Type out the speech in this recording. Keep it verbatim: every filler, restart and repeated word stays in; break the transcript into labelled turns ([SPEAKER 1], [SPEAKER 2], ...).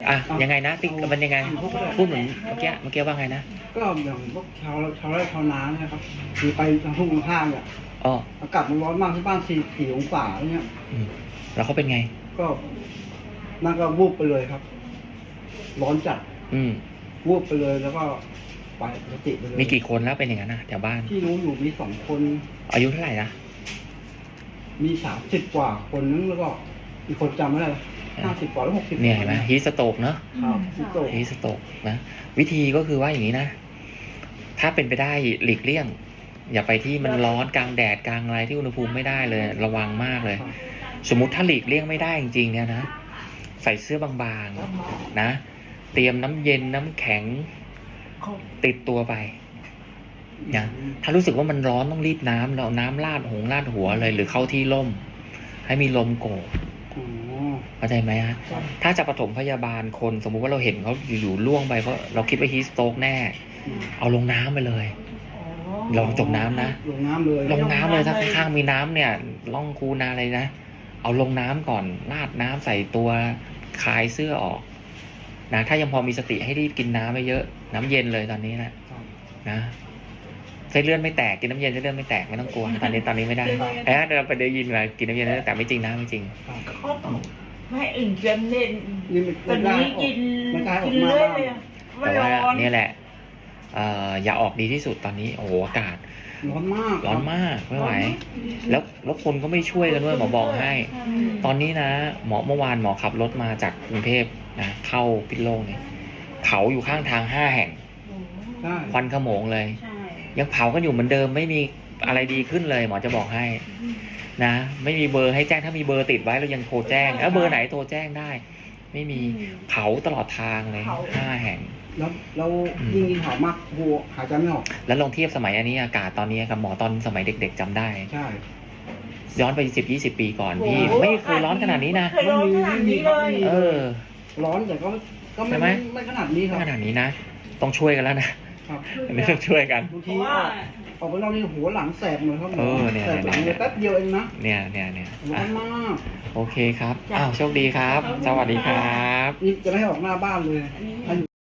[SPEAKER 1] อ่ะยังไงนะติ๊กมันยังไงพูดเหมือนเมื่อกี้เมื่อกี้ว่าไงนะ
[SPEAKER 2] ก็อย่างพวกชาวชาวไร่ชาวนาเนี่ยครับมีไปทางทุ่งทางข้างเนี่ย
[SPEAKER 1] อ๋อ
[SPEAKER 2] อากาศมันร้อนมากที่บ้านสี่สี่องศาเนี่ย
[SPEAKER 1] อืมแล้วเขาเป็นไง
[SPEAKER 2] ก็นั่นก็วูบไปเลยครับ ร้อนจัด
[SPEAKER 1] อืม
[SPEAKER 2] วูบไปเลยแล้วก็ไปปกติไปเลย
[SPEAKER 1] มีกี่คนแล้วเป็นอย่างนั้นนะแถวบ้าน
[SPEAKER 2] ที่รู้อยู่มีสองคน
[SPEAKER 1] อายุเท่าไหร่นะ
[SPEAKER 2] มีสามสิบกว่าคนนึงแล้วก็อีกคนจำไม่ได้ห้าสิบกว่าหรือหกสิบ
[SPEAKER 1] เนี่ยเห็นไหมฮีสโตกเนาะ
[SPEAKER 2] ครับฮีสโตก
[SPEAKER 1] ฮีสโตกนะวิธีก็คือว่าอย่างนี้นะถ้าเป็นไปได้หลีกเลี่ยง อย่าไปที่มันร้อนกลางแดดกลางอะไรที่อุณหภูมิไม่ได้เลยระวังมากเลย สมมุติถ้าหลีกเลี่ยงไม่ได้จริงๆเนี่ยนะใส่เสื้อบางๆนะเตรียมน้ำเย็นน้ำแข็งติดตัวไปนะถ้ารู้สึกว่ามันร้อนต้องรีบน้ำเราน้ำราดหงราดหัวเลยหรือเข้าที่ร่มให้มีลมโกกเข้าใจไหมฮะถ้าจะปฐมพยาบาลคนสมมุติว่าเราเห็นเขาอยู่ๆล่วงไปเพราะเราคิดว่าฮีสโตรกแน่เอาลงน้ำไปเลยลองจมน้ำนะ
[SPEAKER 2] ลงน้ำเลย
[SPEAKER 1] ลงน้ำเลยถ้าข้างๆมีน้ำเนี่ยล่องคูนาอะไรนะเอาลงน้ำก่อนราดน้ำใส่ตัวคลายเสื้อออกนะถ้ายังพอมีสติให้รีบกินน้ำไปเยอะน้ำเย็นเลยตอนนี้นะนะเส้นเลือดไม่แตกกินน้ำเย็นเส้นเลือดไม่แตกไม่ต้องกลัวตอนนี้ตอนนี้ไม่ได้เอ๊ะเราไปได้ยินมากินน้ำเย็นแต่ไม่จริงนะไม่จริง
[SPEAKER 3] ไม่อื่นจะเน้นตอนนี้กินกินเรื่อยเลย
[SPEAKER 1] แต่ว่านี่แหละอย่าออกดีที่สุดตอนนี้โอ้โหอากาศ
[SPEAKER 2] ร้อนมาก
[SPEAKER 1] ร้อนมากไม่ไหวแล้วแล้วคนก็ไม่ช่วยกันด้วยหมอบอกให้ตอนนี้นะหมอเมื่อวานหมอขับรถมาจากกรุงเทพนะเข้าพิษณุโลกเนี่ยเผาอยู่ข้างทางห้าแห่งควันขโมงเลยยังเผากันอยู่เหมือนเดิมไม่มีอะไรดีขึ้นเลยหมอจะบอกให้นะไม่มีเบอร์ให้แจ้งถ้ามีเบอร์ติดไว้เรายังโทรแจ้งแล้วเบอร์ไหนโทรแจ้งได้ไม่มีเผาตลอดทางเลยห้าแห่ง
[SPEAKER 2] แล้วแล้วยิ่งยิ่งเผามากหัวหายใจไม่ออก
[SPEAKER 1] แล้วลองเทียบสมัยอันนี้อากาศตอนนี้กับหมอตอนสมัยเด็กๆจำได้
[SPEAKER 2] ใช่
[SPEAKER 1] ย้อนไปสิบยี่สิบปีก่อนพี่ไม่เคยร้อนขนาดนี้นะ
[SPEAKER 3] ไม่มีไม่มีเลย
[SPEAKER 1] เออ
[SPEAKER 2] ร้อนแต่ก็ก็ไม่ไม่ขนาดนี้ครับ
[SPEAKER 1] ขนาดนี้นะต้องช่วยกันแล้วนะครับอันนี้ต้องช่วยกัน
[SPEAKER 2] บางทีออกไปนอกนี่หัวหลังแสบเลยครับแสบหลังเลยแป๊บเดียวเองนะ
[SPEAKER 1] เนี่ยเนี่ยเนี่ย
[SPEAKER 2] ร้อนมาก
[SPEAKER 1] โอเคครับอ้าวโชคดีครับสวัสดีครับ
[SPEAKER 2] นี่จะไม่ให้ออกหน้าบ้านเลย